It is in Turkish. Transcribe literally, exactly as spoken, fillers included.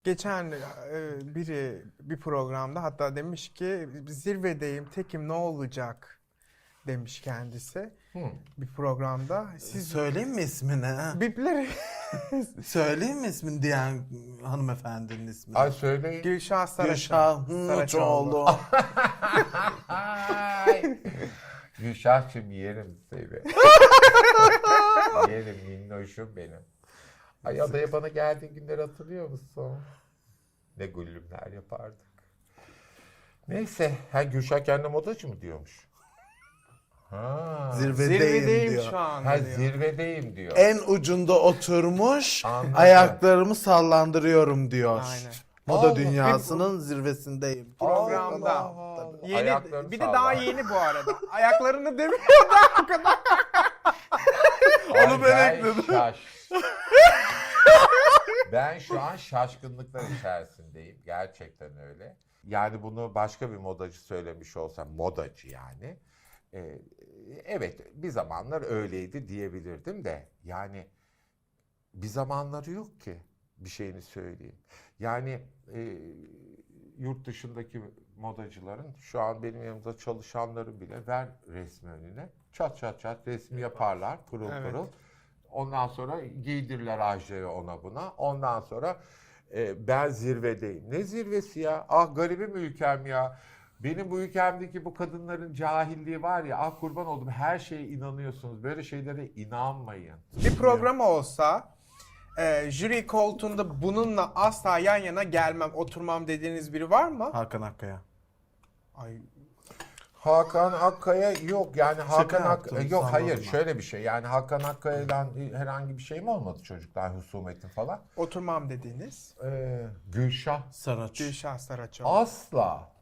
Geçen e, biri bir programda hatta demiş ki zirvedeyim tekim ne olacak demiş kendisi Hı. bir programda. Siz Söyleyeyim mi ismini? ha? bipleri Söyleyeyim mi ismini diyen hanımefendinin ismini? Ay söyleyin. Gülşah Saraçoğlu. Gülşah Hınçoğlu. Ay. Gülşah'cığım yerim seni. Yerim minnoşum benim. Ay adaya bana geldiğin günleri hatırlıyor musun? Ne güllümler yapardık. Neyse. Ha Gülşah kendine modacı mı diyormuş? Ha. Zirvedeyim, Zirvedeyim diyor. şu an Ha diyor. zirvedeyim diyor. En ucunda oturmuş, Anladım. ayaklarımı sallandırıyorum diyor. Aynen. Moda Allah. dünyasının zirvesindeyim. Programda. Allah Allah. Yeni, Ayaklarını bir de sallar. daha yeni bu arada. Ayaklarını demiyor da o kadar. Onu ben Ay, ekledim. Şaş. Ben şu an şaşkınlıklar içerisindeyim. Gerçekten öyle. Yani bunu başka bir modacı söylemiş olsam, modacı yani. Ee, evet bir zamanlar öyleydi diyebilirdim de. Yani bir zamanları yok ki bir şeyini söyleyeyim. Yani e, yurt dışındaki modacıların şu an benim yanımda çalışanları bile ver resmi önüne. Çat çat çat resmi yaparlar pırıl Evet. pırıl. Ondan sonra giydirirler ajayı ona buna. Ondan sonra e, ben zirvedeyim. Ne zirvesi ya? Ah garibim ülkem ya. Benim bu ülkemdeki bu kadınların cahilliği var ya. Ah kurban oldum her şeye inanıyorsunuz. Böyle şeylere inanmayın. Bir program olsa e, jüri koltuğunda bununla asla yan yana gelmem, oturmam dediğiniz biri var mı? Hakan Akkaya. Ay, Hakan Akkaya yok yani Hakan yaptım, Akkaya yok hayır salladım. şöyle bir şey yani Hakan Akkaya'dan herhangi bir şey mi olmadı çocuklar husumetin falan? oturmam dediğiniz Ee, Gülşah Saraç. Gülşah Saraçoğlu. asla